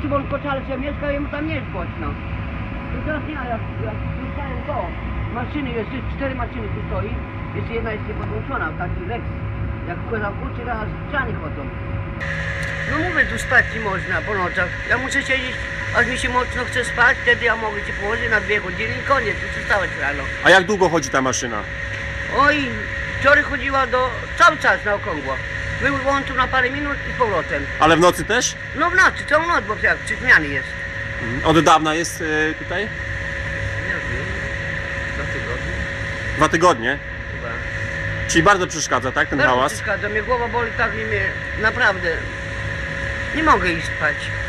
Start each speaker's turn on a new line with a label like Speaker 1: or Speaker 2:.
Speaker 1: gościu, bo on koczale się mieszka i mu tam nie jest głośno. I teraz nie, jak słyszałem to, maszyny, jeszcze 4 maszyny tu stoi, jeszcze jedna jest niepodłączona, taki Lex. Jak koza kurczy, teraz ściany chodzą. No mówię, tu spać nie można po nocach. Ja muszę siedzieć, aż mi się mocno chce spać, wtedy ja mogę się położyć na 2 godziny i koniec, muszę wstawać rano.
Speaker 2: A jak długo chodzi ta maszyna?
Speaker 1: Oj, wczoraj chodziła cały czas na okrągło. Wyłączył na parę minut i z powrotem.
Speaker 2: Ale w nocy też?
Speaker 1: No w nocy, całą noc, bo jak 3 zmiany jest.
Speaker 2: Od dawna jest tutaj?
Speaker 1: Nie wiem, 2 tygodnie
Speaker 2: 2 tygodnie?
Speaker 1: chyba.
Speaker 2: Czyli bardzo przeszkadza, tak, ten
Speaker 1: Bardzo
Speaker 2: hałas?
Speaker 1: przeszkadza, mnie głowa boli tak, nie mnie, naprawdę. Nie mogę iść spać.